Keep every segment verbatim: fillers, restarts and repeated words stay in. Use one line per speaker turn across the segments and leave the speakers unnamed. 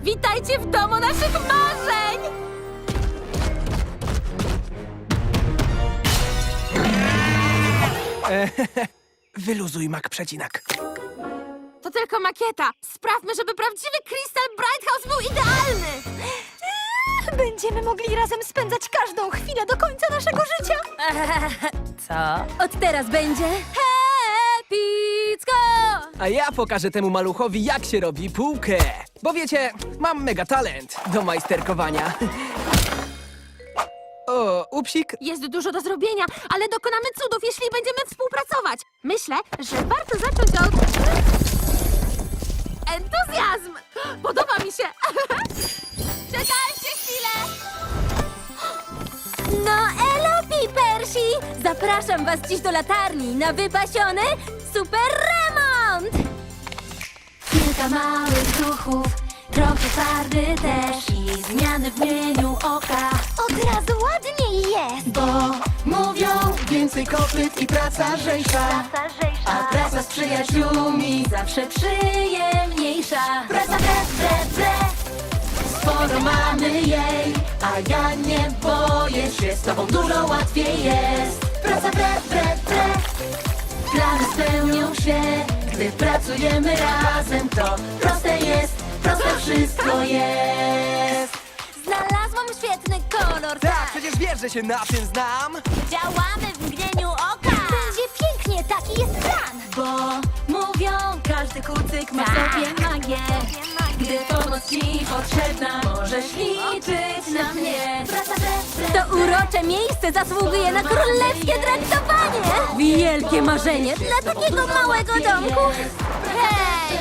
Witajcie w domu naszych marzeń!
Wyluzuj, mak przecinak.
To tylko makieta. Sprawmy, żeby prawdziwy Crystal Bright House był idealny!
Będziemy mogli razem spędzać każdą chwilę do końca naszego życia.
Co? Od teraz będzie epicko!
A ja pokażę temu maluchowi, jak się robi półkę. Bo wiecie, mam mega talent do majsterkowania. O, upsik.
Jest dużo do zrobienia, ale dokonamy cudów, jeśli będziemy współpracować. Myślę, że warto zacząć od... entuzjazm! Podoba mi się! Czekajcie chwilę!
No elo, Pipersi! Zapraszam was dziś do latarni na wypasiony super remont! Kilka małych duchów, trochę farby też i zmiany w mieniu oka. Od razu ładniej jest!
Bo mówią więcej kopyt i praca lżejsza, a praca z przyjaciółmi
Zawsze przyjemniejsza.
praca bre, bre, bre. Sporo mamy jej, a ja nie boję się, z tobą dużo łatwiej jest. Praca bre, bre, bre. Plany spełnią się, gdy pracujemy razem. To proste jest, proste wszystko jest.
Znalazłam świetny kolor,
Tak, przecież wiesz, że się na tym znam.
Działamy w mgnieniu oka! Będzie pięknie, taki jest plan!
Bo mówią, każdy kucyk ma w sobie magię. Gdy pomoc ci potrzebna, możesz liczyć na mnie. Praca bre, bre,
To urocze miejsce zasługuje na królewskie traktowanie! Wielkie marzenie dla takiego małego domku! Hej!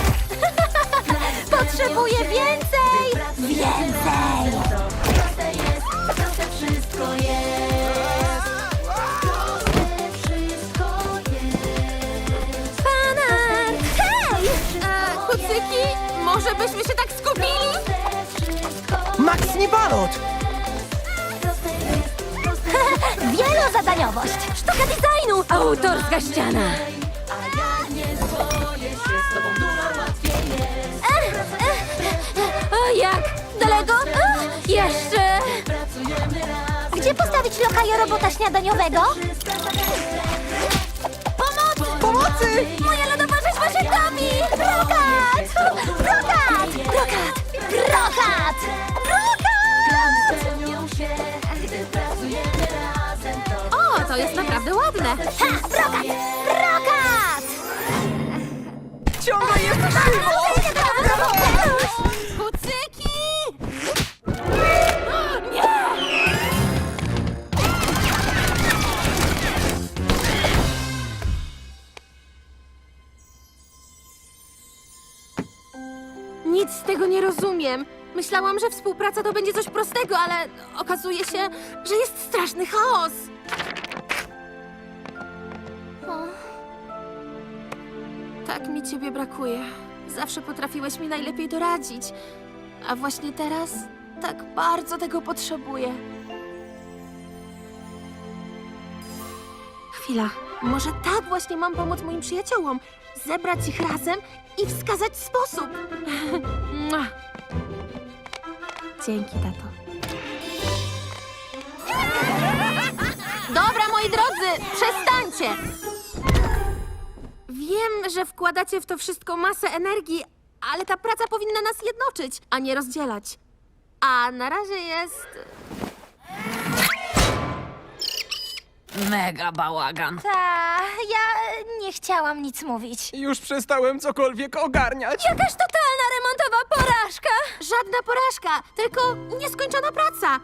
Potrzebuję więcej! Więcej!
proste jest, proste wszystko jest. Proste wszystko jest.
Pana! Hej!
E, kucyki, może byśmy się tak skupili?
Proste wszystko
Max nie balot.
proste jest, proste
Wielozadaniowość! Sztuka designu! Autorska ściana!
a ja nie boję się, z tobą dużo łatwiej jest.
O, jak? Daleko? Ach, jeszcze!
Pracujemy razem.
Gdzie postawić lokaja robota śniadaniowego? Pomocy! Pomocy! Moja lodowa rzeźba się topi! Brokat! Brokat! Brokat! Brokat!
Plany
Brokat!
spełnią się, gdy pracujemy razem. To
O, to jest naprawdę ładne.
Ha! Brokat! Brokat!
Ciągle jest krzywo.
Kucyki! Nic z tego nie rozumiem. Myślałam, że współpraca to będzie coś prostego, ale okazuje się, że jest straszny chaos. O. Tak mi ciebie brakuje. Zawsze potrafiłeś mi najlepiej doradzić. A właśnie teraz tak bardzo tego potrzebuję. Chwila. Może tak właśnie mam pomóc moim przyjaciołom. Zebrać ich razem i wskazać sposób. Mua. Dzięki, tato. Dobra, moi drodzy, przestańcie! Wiem, że wkładacie w to wszystko masę energii, ale ta praca powinna nas jednoczyć, a nie rozdzielać. A na razie jest... mega bałagan.
Ta, ja nie chciałam nic mówić.
Już przestałem cokolwiek ogarniać.
Jakaż totalna remontowa porażka!
Żadna porażka, tylko nieskończona praca.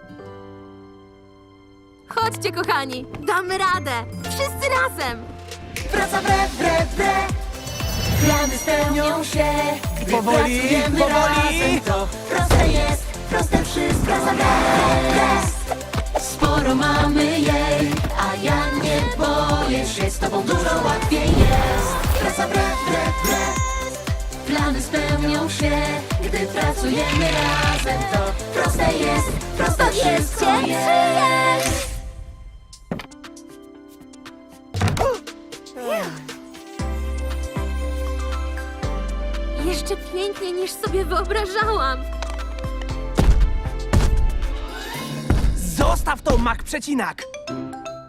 Chodźcie, kochani, damy radę. Wszyscy razem.
praca bre, bre, bre. Plany spełnią się, gdy
Powoli,
pracujemy
powoli.
razem. To proste jest, proste wszystko. Praca bre, bre, bre. Sporo mamy jej, a ja nie boję się, z tobą dużo łatwiej jest. Praca bre, bre, bre. Plany spełnią się, gdy pracujemy razem. To proste jest, proste wszystko
Powiedzcie,
jest.
czy jest?
Jeszcze pięknie trudniejsze niż sobie wyobrażałam.
Zostaw to, Mak Przecinak!